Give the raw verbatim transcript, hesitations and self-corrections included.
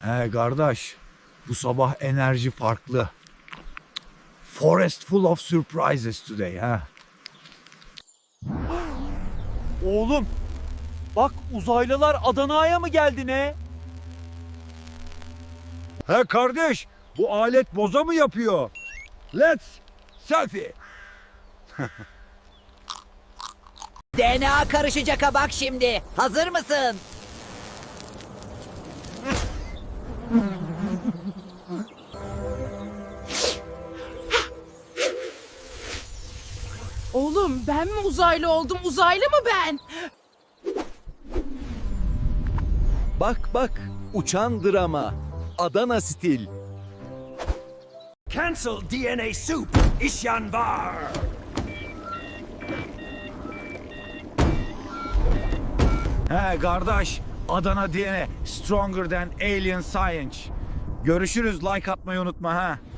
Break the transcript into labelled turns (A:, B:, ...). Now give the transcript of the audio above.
A: He kardeş, bu sabah enerji farklı. Forest full of surprises today ha.
B: Oğlum, bak uzaylılar Adana'ya mı geldi ne?
A: He kardeş, bu alet boza mı yapıyor? Let's selfie.
C: D N A karışacak ha bak şimdi. Hazır mısın?
D: Oğlum ben mi uzaylı oldum? Uzaylı mı ben?
B: Bak bak, uçan drama. Adana stil.
E: Cancel D N A soup, isyan var.
A: He kardeş, Adana D N A stronger than alien science. Görüşürüz, like atmayı unutma ha.